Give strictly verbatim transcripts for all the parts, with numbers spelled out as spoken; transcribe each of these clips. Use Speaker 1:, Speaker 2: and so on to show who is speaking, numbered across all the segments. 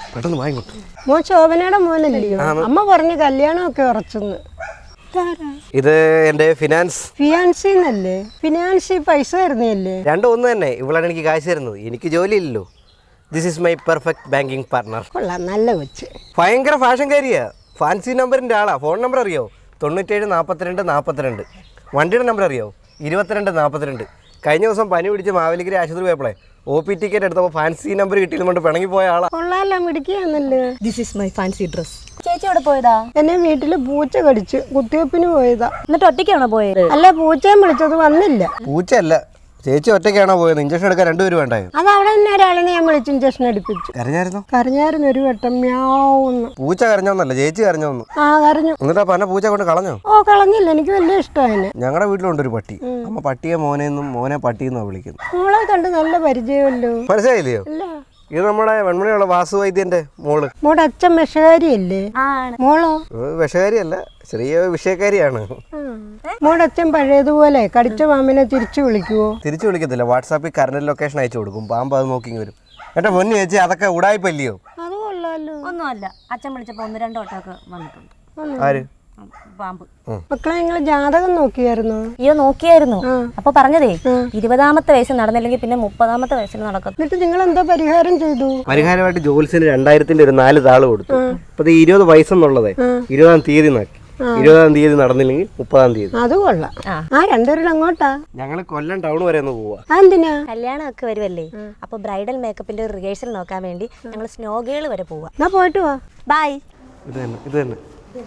Speaker 1: പെട്ടെന്ന് വാങ്ങിക്കോട്ടെ.
Speaker 2: മോൻ ശോഭനയുടെ മോനല്ലയോ? അമ്മ പറഞ്ഞു കല്യാണമൊക്കെ ഉറച്ചെന്ന്.
Speaker 1: ഇത് എന്റെ ഫിനാൻസ്
Speaker 2: ഫിയാൻസിന്നല്ലേ? ഫിനാൻസി പൈസ തരുന്നല്ലേ?
Speaker 1: രണ്ടും ഒന്ന് തന്നെ. ഇവളാണ് എനിക്ക് കാശ് തരുന്നത്, എനിക്ക് ജോലിയില്ലല്ലോ. This is my perfect banking partner.
Speaker 2: കൊള്ളാം, നല്ല കൊച്ച്.
Speaker 1: ഭയങ്കര ഫാഷൻകാരിയാ. ഫാൻസി നമ്പറിന്റെ ആളാ. ഫോൺ നമ്പർ അറിയോ? തൊണ്ണൂറ്റേഴ് നാൽപ്പത്തിരണ്ട് നാൽപ്പത്തിരണ്ട്. വണ്ടിയുടെ നമ്പർ അറിയോ? ഇരുപത്തിരണ്ട് നാൽപ്പത്തിരണ്ട്. കഴിഞ്ഞ ദിവസം പനി പിടിച്ച് മാവേലിക്കര ആശുപത്രി പോയപ്പോഴേ ഒ പി ടിക്കറ്റ് എടുത്തപ്പോൾ ഫാൻസി നമ്പർ കിട്ടിയതുകൊണ്ട് പിണങ്ങി പോയ ആളാ.
Speaker 2: കൊള്ളാലോ, മിടിക്കുകയാണല്ലോ.
Speaker 3: This is my fancy dress. ചേച്ചി എവിടെ പോയതാ?
Speaker 2: എന്നെ വീട്ടില് പൂച്ച കടിച്ച് കുത്തിവെപ്പിന് പോയതാ.
Speaker 3: എന്നിട്ട് ഒറ്റയ്ക്കാണോ പോയത്?
Speaker 2: അല്ല, പൂച്ചയും വിളിച്ചത് വന്നില്ല.
Speaker 1: പൂച്ചയല്ല, ചേച്ചി ഒറ്റയ്ക്കാണോ പോയത്? ഇഞ്ചക്ഷൻ എടുക്കാൻ രണ്ടുപേരും വേണ്ടായോ?
Speaker 2: അത് അവിടെ തന്നെ ഒരാളിനെ ഞാൻ വിളിച്ച് ഇഞ്ചക്ഷൻ എടുപ്പിച്ചു.
Speaker 1: കരഞ്ഞായിരുന്നോ?
Speaker 2: കരഞ്ഞായിരുന്നു ഒരു വട്ടം. മ്യാവുന്ന്.
Speaker 1: പൂച്ച കരഞ്ഞോന്നല്ല, ചേച്ചി കരഞ്ഞോന്നു.
Speaker 2: ആ, കരഞ്ഞു.
Speaker 1: എന്നിട്ടാ പന പൂച്ച കൊണ്ട് കളഞ്ഞോ?
Speaker 2: ഓ, കളഞ്ഞില്ല, എനിക്ക് വലിയ ഇഷ്ടമാണ്.
Speaker 1: ഞങ്ങളുടെ വീട്ടിലുണ്ട് ഒരു പട്ടി. അമ്മ പട്ടിയെ മോനെന്നും മോനെ പട്ടിയെന്നാ വിളിക്കുന്നു.
Speaker 2: മോളെ കണ്ട് നല്ല പരിചയമല്ലോ.
Speaker 1: മനസ്സിലായില്ലയോ?
Speaker 2: അല്ല,
Speaker 1: ഇത് നമ്മുടെ വെൺമണിയുള്ള വാസു വൈദ്യന്റെ മോള്.
Speaker 2: മോടെ അച്ഛൻ വിഷകാരിയല്ലേ? മോളോ?
Speaker 1: വിഷകാരിയല്ല, ചെറിയ വിഷയക്കാരിയാണ്.
Speaker 2: മോടെ അച്ഛൻ പഴയതുപോലെ കടിച്ച പാമ്പിനെ തിരിച്ചു വിളിക്കുവോ?
Speaker 1: തിരിച്ചു വിളിക്കത്തില്ല, വാട്സാപ്പിൽ കറണ്ട് ലൊക്കേഷൻ അയച്ചു കൊടുക്കും. പാമ്പ് അത് നോക്കി വരും. എന്റെ പൊന്നു ചേച്ചി, അതൊക്കെ ഉടായിപ്പല്ലയോ?
Speaker 2: അത് കൊള്ളാലോ.
Speaker 3: ഒന്നുമല്ല, അച്ഛൻ വിളിച്ചപ്പോ ഒന്ന് രണ്ടോ വട്ടമൊക്കെ വന്നിട്ടുണ്ട്.
Speaker 1: ആര്?
Speaker 3: പാമ്പ്.
Speaker 2: മക്കളെ, നിങ്ങള് ജാതകം നോക്കിയായിരുന്നു?
Speaker 3: അയ്യോ, നോക്കിയായിരുന്നു. അപ്പൊ പറഞ്ഞതേ ഇരുപതാമത്തെ വയസ്സിൽ നടന്നില്ലെങ്കിൽ പിന്നെ മുപ്പതാമത്തെ വയസ്സിൽ നടക്കും.
Speaker 2: എന്നിട്ട് നിങ്ങൾ എന്താ പരിഹാരം ചെയ്തു?
Speaker 1: പരിഹാരമായിട്ട് ജോലിസിന് രണ്ടായിരത്തിന്റെ ഒരു നാല് താള് കൊടുത്തു. അപ്പൊ ഇരുപത് വയസ്സെന്നുള്ളതേ ഇരുപതാം തീയതി നാക്കി. ഇരുപതാം തീയതി നടന്നില്ലെങ്കിൽ മുപ്പതാം തീയതി.
Speaker 2: അത് കൊള്ളാം. ആ, രണ്ടുപേരും അങ്ങോട്ടാ?
Speaker 1: ഞങ്ങള് കൊല്ലം ടൗൺ വരെ ഒന്ന് പോവാ.
Speaker 2: എന്തിനാ?
Speaker 3: കല്യാണം ഒക്കെ വരുമല്ലേ, അപ്പൊ ബ്രൈഡൽ മേക്കപ്പിന്റെ റിഹേഴ്സൽ നോക്കാൻ വേണ്ടി ഞങ്ങൾ സ്നോഗേൾ വരെ പോവാ.
Speaker 2: എന്നാ പോയിട്ട് വാ.
Speaker 3: ബൈ.
Speaker 1: ഇത് തന്നെ, ഇത് തന്നെ.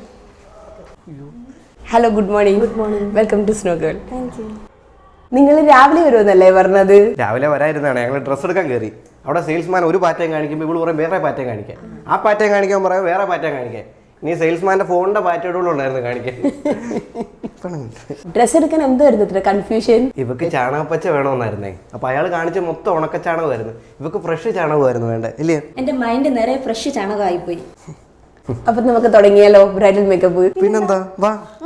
Speaker 4: Hello, good morning. Good morning. Welcome to snow girl. Thank you. നിങ്ങൾ രാവിലെ വരുമെന്നല്ലേ പറഞ്ഞത്?
Speaker 1: രാവിലെ വരായിരുന്നാണ്. ഞങ്ങൾ ഡ്രസ്സ് എടുക്കാൻ കയറി. അവിടെ സെയിൽസ്മാൻ ഒരു പാറ്റേൺ കാണിക്കുമ്പോൾ ഇവിടെ പറയും വേറെ പാറ്റേൺ കാണിക്കാൻ. ആ പാറ്റേൺ കാണിക്കാൻ പറയാം വേറെ പാറ്റേൺ കാണിക്കാൻ. ഇനി സെയിൽസ്മാന്റെ ഫോണിന്റെ പാറ്റേണുകളുണ്ടായിരുന്നു കാണിക്കാൻ.
Speaker 4: ഡ്രസ്സ് എടുക്കാൻ എന്തായിരുന്നു ഇത്ര കൺഫ്യൂഷൻ?
Speaker 1: ഇവക്ക് ചാണകപ്പച്ച വേണമെന്നായിരുന്നേ. അപ്പൊ അയാൾ കാണിച്ച മൊത്തം ഉണക്ക ചാണകമായിരുന്നു. ഇവക്ക് ഫ്രഷ് ചാണകമായിരുന്നു വേണ്ടേ, ഇല്ലേ?
Speaker 3: എന്റെ മൈൻഡ് നിറയെ ഫ്രഷ് ചാണകമായി പോയി.
Speaker 4: അപ്പൊ നമുക്ക് തുടങ്ങിയാലോ ബ്രൈഡൽ മേക്കപ്പ്?
Speaker 1: പിന്നെന്താ, വാ.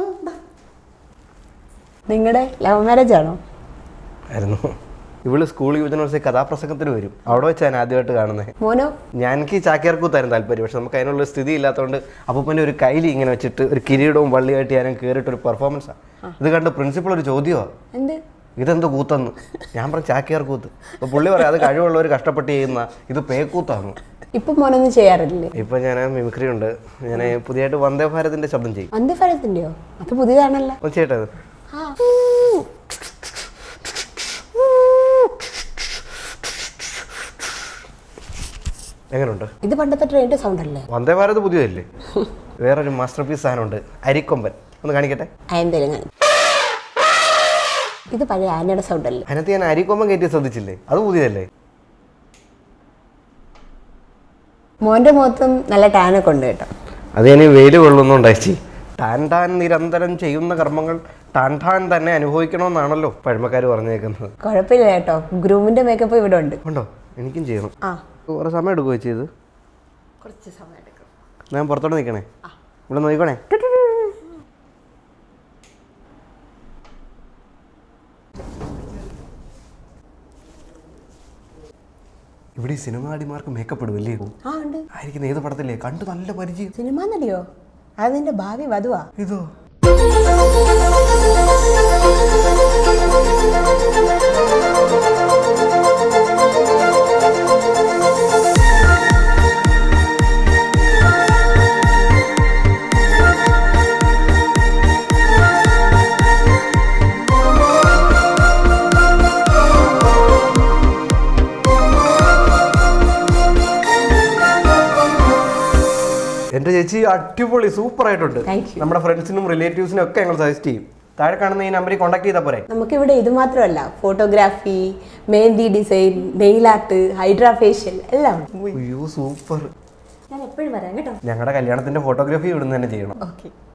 Speaker 4: നിങ്ങളുടെ ലവ് മാരേജ് ആണോ?
Speaker 1: ആയിരുന്നു. ഇവള് സ്കൂൾ യുവജനോത്സവ കഥാപ്രസംഗത്തിന് വരും. അവിടെ വെച്ചാണ് ആദ്യമായിട്ട് കാണുന്നത്.
Speaker 4: മോനോ?
Speaker 1: ഞാൻ എനിക്ക് ചാക്യാർക്കൂത്തായിരുന്നു താല്പര്യം. പക്ഷെ നമുക്ക് അതിനുള്ള സ്ഥിതി ഇല്ലാത്തതുകൊണ്ട് അപ്പൂപ്പൻ്റെ ഒരു കയ്യിൽ ഇങ്ങനെ വെച്ചിട്ട് ഒരു കിരീടവും വള്ളിയായിട്ട് ഞാനും കയറിയിട്ട് ഒരു പെർഫോമൻസാണ്. ഇത് കണ്ട് പ്രിൻസിപ്പൾ ഒരു ചോദ്യമാണ്,
Speaker 4: എന്ത്
Speaker 1: ഇതെന്ത് കൂത്തെന്ന്. ഞാൻ പറഞ്ഞു ചാക്യാർ കൂത്ത്. അപ്പോൾ പുള്ളി പറയാം അത് കഴിവുള്ളവർ കഷ്ടപ്പെട്ട് ചെയ്യുന്ന, ഇത് പേക്കൂത്താണ്.
Speaker 4: ഇപ്പൊ മോനൊന്നും ചെയ്യാറില്ലേ?
Speaker 1: ഇപ്പൊ ഞാൻ മിമിക്രി ഉണ്ട്. ഞാൻ പുതിയതായിട്ട് വന്ദേ ഭാരതിന്റെ ശബ്ദം ചെയ്യും.
Speaker 4: വന്ദേ ഭാരതിന്റെയോ? അത് പുതിയതാണല്ലോ.
Speaker 1: ചേട്ടത് എങ്ങനെയുണ്ട്?
Speaker 4: ഇത് പണ്ടത്തെ ട്രെയിനിന്റെ സൗണ്ട് അല്ലേ?
Speaker 1: വന്ദേ ഭാരത് പുതിയതല്ലേ? വേറൊരു മാസ്റ്റർ പീസ് സാധനമുണ്ട്, അരിക്കൊമ്പൻ. ഒന്ന് കാണിക്കട്ടെ.
Speaker 4: എന്തായാലും ഇത് പഴയ ആനയുടെ സൗണ്ട് അല്ലേ?
Speaker 1: അതിനകത്ത് ഞാൻ അരിക്കൊമ്പൻ കയറ്റി ശ്രദ്ധിച്ചില്ലേ? അത് പുതിയതല്ലേ?
Speaker 4: മോന്റെ മുഖത്തും നല്ല ടാനൊക്കെ ഉണ്ട് കേട്ടോ.
Speaker 1: അത് ഞാൻ വെയിൽ കൊള്ളുന്നുണ്ടായി. ടാൻ ടാൻ നിരന്തരം ചെയ്യുന്ന കർമ്മങ്ങൾ ടാൻ ടാൻ തന്നെ അനുഭവിക്കണമെന്നാണല്ലോ പഴമക്കാർ പറഞ്ഞേക്കുന്നത്.
Speaker 4: കുഴപ്പമില്ല കേട്ടോ, ഗ്രൂമിന്റെ മേക്കപ്പ് ഇവിടെ ഉണ്ട്.
Speaker 1: ഉണ്ടോ? എനിക്കും ചെയ്യണം.
Speaker 4: ആ,
Speaker 1: കുറെ സമയം എടുക്കുമോ ചെയ്ത്?
Speaker 4: കുറച്ച് സമയം എടുക്കും.
Speaker 1: ഞാൻ പുറത്തോട്ട് നിൽക്കണേ? ഇവിടെ നോക്കണേ. ഇവിടെ ഈ സിനിമ നടിമാർക്ക് മേക്കപ്പ് ഇടുമല്ലേ?
Speaker 4: ആ, ഉണ്ട്.
Speaker 1: ആയിരിക്കുന്ന ഏത് പടത്തില്ലേ? കണ്ട് നല്ല പരിചയം.
Speaker 4: സിനിമ നടിയോ? അത് നിന്റെ ഭാവി വധുവാ.
Speaker 1: ഇതോ? എന്റെ ചേച്ചി അടിപൊളി, സൂപ്പർ ആയിട്ടുണ്ട്. നമ്മുടെ ഫ്രണ്ട്സിനും റിലേറ്റീവ്സിനും ഒക്കെ ഞങ്ങൾ സജസ്റ്റ് ചെയ്യും. താഴെ കാണുന്ന ഈ നമ്പറിൽ കോൺടാക്ട് ചെയ്താൽ പോരെ.
Speaker 4: നമുക്കിവിടെ ഇത് മാത്രമല്ല, photography, mehndi design, nail art, hydra facial എല്ലാം.
Speaker 1: അയ്യോ സൂപ്പർ.
Speaker 3: ഞാൻ എപ്പോഴും വരാം കേട്ടോ.
Speaker 1: ഞങ്ങളുടെ കല്യാണത്തിന്റെ ഫോട്ടോഗ്രാഫി ഇവിടുന്ന് തന്നെ ചെയ്യണം.
Speaker 4: ഓക്കെ.